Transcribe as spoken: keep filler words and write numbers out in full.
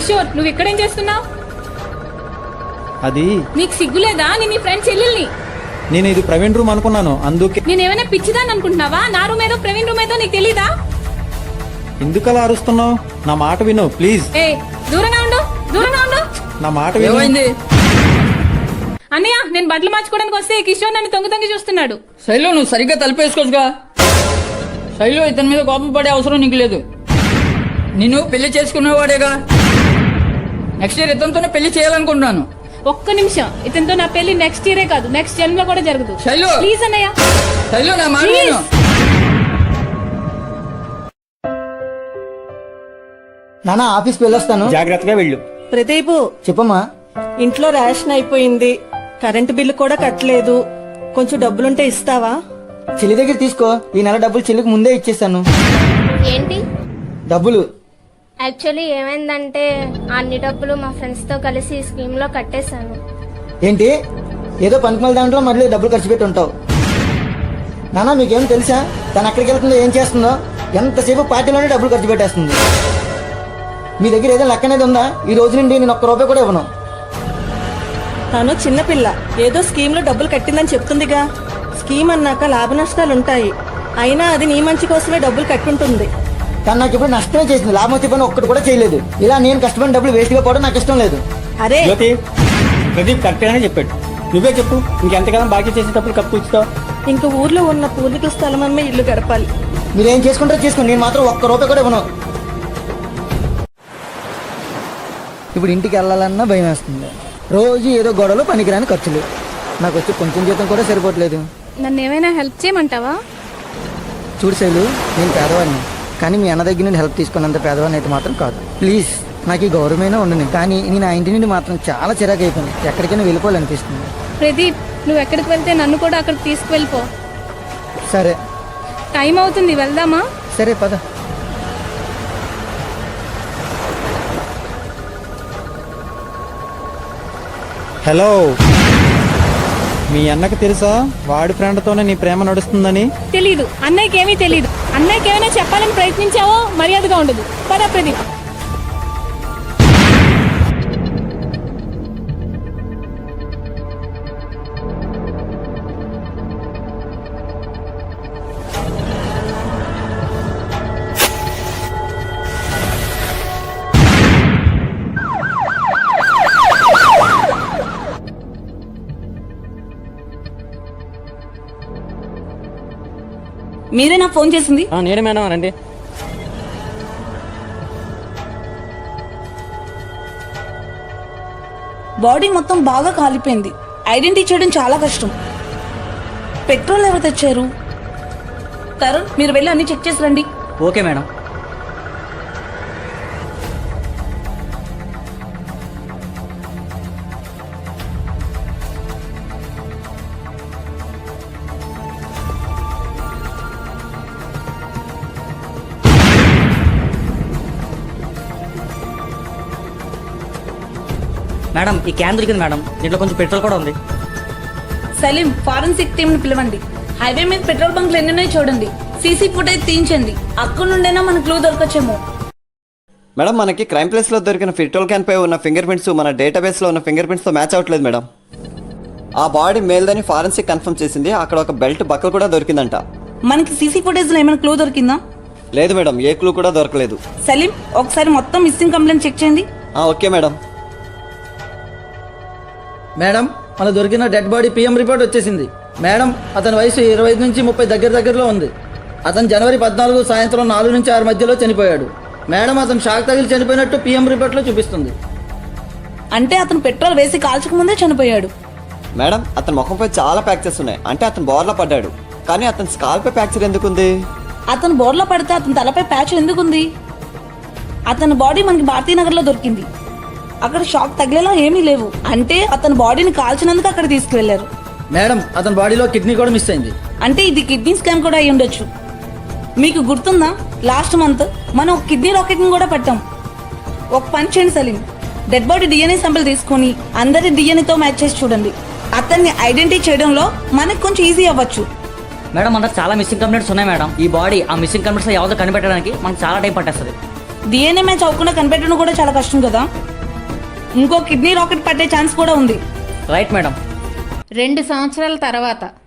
కిషోర్, నువ్వు ఇక్కడేం చేస్తున్నావు? అది నీకు సిగ్గులేదా? నేను నీ ఫ్రెండ్ చెల్లెల్ని. నేను ఇది ప్రవీణ్ రూమ్ అనుకున్నాను, అందుకే. నేను ఏమైనా పిచ్చిదాన్ని అనుకుంటున్నావా? నా రూమ్ ఏదో ప్రవీణ్ రూమ్ ఏదో నీకు తెలీదా? ఎందుకలా అరుస్తున్నావు? నా మాట విను ప్లీజ్. ఏ దూరంగా ఉండు, దూరంగా ఉండు. నా మాట విను. అన్నయ్య, నేను బట్టలు మార్చుకోవడానికి వస్తే కిషోర్ నన్ను తొంగి తొంగి చూస్తున్నాడు. శైలు, నువ్వు సరిగ్గా తలిపేసుకోవచ్చుగా. శైలు, ఇతని మీద కోపం పడే అవసరం నీకు లేదు. నిన్ను పెళ్లి చేసుకునేవాడేగా. నెక్స్ట్ ఇయర్ ఇతనితోనే పెళ్లి చేయాలనుకుంటున్నాను. ఒక్క నిమిషం, ఇతనితో నా పెళ్లి నెక్స్ట్ ఇయరే కాదు, నెక్స్ట్ జన్మలో కూడా జరగదు. శైలు, ప్లీజ్ అన్నయ్య. శైలు, నా మాట విను. నానా, ఆఫీస్కి వెళ్ళొస్తాను. జాగ్రత్తగా వెళ్ళు. ప్రదీపు, చెప్పమ్మా. ఇంట్లో రేషన్ అయిపోయింది, కరెంటు బిల్లు కూడా కట్టలేదు. కొంచెం డబ్బులుంటే ఇస్తావా? చెల్లి దగ్గర తీసుకో. ఈ నెల డబ్బులు చెల్లికి ముందే ఇచ్చేస్తాను. ఏంటి డబ్బులు? యాక్చువల్లీ ఏమైందంటే అన్ని డబ్బులు మా ఫ్రెండ్స్ తో కలిసి ఈ స్కీమ్ లో కట్టేశాను. ఏంటి, ఏదో పనికిమాల దాంట్లో మళ్ళీ డబ్బులు ఖర్చు పెట్టి ఉంటావు. నానా, మీకేం తెలుసా తను ఎక్కడికి వెళ్తుందో, ఏం చేస్తుందో? ఎంతసేపు పార్టీలోనే డబ్బులు ఖర్చు పెట్టేస్తుంది. మీ దగ్గర ఏదో లెక్క అనేది ఉందా? ఈ రోజు నుండి నేను ఒక్క రూపాయి కూడా ఇవ్వను. తను చిన్నపిల్ల, ఏదో స్కీమ్ లో డబ్బులు కట్టిందని చెప్తుందిగా. స్కీమ్ అన్నాక లాభ నష్టాలుంటాయి. అయినా అది నీ మంచి కోసమే డబ్బులు కట్టుంటుంది. తను నాకు ఇప్పుడు నష్టమే చేసింది, లాభం వచ్చే పని ఒక్కటి కూడా చేయలేదు. ఇలా నేను కష్టపడిన డబ్బులు వేస్ట్ గా పోవడం నాకు ఇష్టం లేదు. అరే జ్యోతి, ప్రదీప్ కరెక్ట్గానే చెప్పాడు. నువ్వే చెప్పు, ఇంకెంతకాలం బాకీ చేసేటప్పుడు కప్పు ఇస్తావు? ఇంక ఊర్లో ఉన్న పూర్వీకుల స్థలం అమ్మే ఇల్లు గడపాలి. మీరేం చేసుకుంటారో చేసుకోండి, నేను మాత్రం ఒక్క రూపాయి కూడా ఇవ్వను. ఇప్పుడు ఇంటికి వెళ్ళాలన్నా భయం వేస్తుంది. రోజు ఏదో గొడవలు, పనికిరాని ఖర్చులు. నాకు వచ్చి కొంచెం జీతం కూడా సరిపోవట్లేదు. నన్ను ఏమైనా హెల్ప్ చేయమంటావా? చూడు శైలు, నేను పేదవాడిని, కానీ మీ అన్న దగ్గర నుండి హెల్ప్ తీసుకున్నంత పేదవాడిని అయితే మాత్రం కాదు. ప్లీజ్, నాకు ఈ గౌరవమైనా ఉండను. కానీ నేను ఆ ఇంటి నుండి మాత్రం చాలా చిరాకు అయిపోయింది. ఎక్కడికైనా వెళ్ళిపోవాలనిపిస్తుంది. ప్రదీప్, నువ్వు ఎక్కడికి వెళ్తే నన్ను కూడా అక్కడికి తీసుకువెళ్ళిపో. సరే. టైం అవుతుంది, వెళ్దామా? సరే పద. హలో, మీ అన్నకు తెలుసా వాడి ఫ్రెండ్తోనే నీ ప్రేమ నడుస్తుందని? తెలీదు, అన్నయ్యకి ఏమీ తెలీదు. అన్నయ్యకి ఏమైనా చెప్పాలని ప్రయత్నించావో మర్యాదగా ఉండదు. పద ప్రదీప్. మీరే నాకు ఫోన్ చేసింది? నేనే మేడం, రండి. బాడీ మొత్తం బాగా కాలిపోయింది. ఐడెంటిటీ చేయడం చాలా కష్టం. పెట్రోల్ ఎవరు తెచ్చారు? తరుణ్, మీరు వెళ్ళి అన్ని చెక్ చేసి రండి. Okay madam. మేడం, ఈ క్యాన్ దొరికింది మేడం, దీంట్లో కొంచెం పెట్రోల్ కూడా ఉంది. సలీం, ఫారెన్సిక్ టీమ్ ని పిలవండి. హైవే మీద పెట్రోల్ బంక్లు ఎన్నున్నాయో చూడండి. సీసీ ఫుటేజ్ తీయించండి. అక్కడ నుండైనా మన క్లూ దొరకచ్చేమో. మేడం, మనకి క్రైమ్ ప్లేస్ లో దొరికిన పెట్రోల్ క్యాన్ పై ఉన్న ఫింగర్ ప్రింట్స్ మన డేటాబేస్ లో ఉన్న ఫింగర్ ప్రింట్స్ తో మ్యాచ్ అవ్వట్లేదు మేడం. ఆ బాడీ మేల్దని ఫారెన్సిక్ కన్ఫర్మ్ చేసింది. అక్కడ ఒక బెల్ట్ బక్కలు కూడా దొరికిందంట. మనకి సీసీ ఫుటేజ్ లో ఏమైనా క్లూ దొరికిందా? లేదు మేడం, ఏ క్లూ కూడా దొరకలేదు. సలీం, ఒకసారి మొత్తం మిస్సింగ్ కంప్లైంట్ చెక్ చేయండి. Okay madam. మేడం, మన దొరికిన డెడ్ బాడీ పిఎం రిపోర్ట్ వచ్చేసింది. మేడం, అతని వయసు ఇరవై ఐదు నుంచి ముప్పై దగ్గర దగ్గరలో ఉంది. అతను జనవరి పద్నాలుగు సాయంత్రం నాలుగు నుంచి ఆరు మధ్యలో చనిపోయాడు. మేడం, అతను షాక్ తగిలి చనిపోయినట్టు పిఎం రిపోర్ట్ లో చూపిస్తుంది. అంటే అతను పెట్రోల్ వేసి కాల్చక ముందే చనిపోయాడు. మేడం, అతని ముఖంపై చాలా ఫ్రాక్చర్స్ ఉన్నాయి. అంటే అతను బోర్లా పడ్డాడు. కానీ అతని స్కాల్ప్ పై ఫ్రాక్చర్ ఎందుకుంది? అతను బోర్లో పడితే అతని తలపై ప్యాచ్ ఎందుకుంది? అతని బాడీ మనకి భారతీనగర్ లో దొరికింది. అక్కడ షాక్ తగిలేలా ఏమీ లేవు. అంటే అతని బాడీని కాల్చినందుకు అక్కడ తీసుకువెళ్లారు. మేడం, అతని బాడీలో కిడ్నీ కూడా మిస్ అయింది. అంటే ఇది కిడ్నీ స్కామ్ కూడా అయి ఉండొచ్చు. మీకు గుర్తుందా, లాస్ట్ మంత్ మనం ఒక కిడ్నీ రాకెట్ ని కూడా పెట్టాం. ఒక పని చేయండి Salim, dead body DNA sample తీసుకుని అందరి డిఎన్ఏతో మ్యాచ్ చేసి చూడండి. అతన్ని ఐడెంటిఫై చేయడంలో మనకు కొంచెం ఈజీ అవ్వచ్చు. మేడం, మనకు చాలా మిస్సింగ్ కంప్లైంట్స్ ఉన్నాయి మేడం. ఈ బాడీ ఆ మిస్సింగ్ కంప్లైంట్స్ ఎవరితో కనిపెట్టడానికి మనకు చాలా టైం పట్టేస్తుంది. డిఎన్ఏ మ్యాచ్ అవ్వకుండా కనిపెట్టడం కూడా చాలా కష్టం కదా. ఇంకో కిడ్నీ రాకెట్ పట్టే ఛాన్స్ కూడా ఉంది. Right madam. రెండు సంవత్సరాల తర్వాత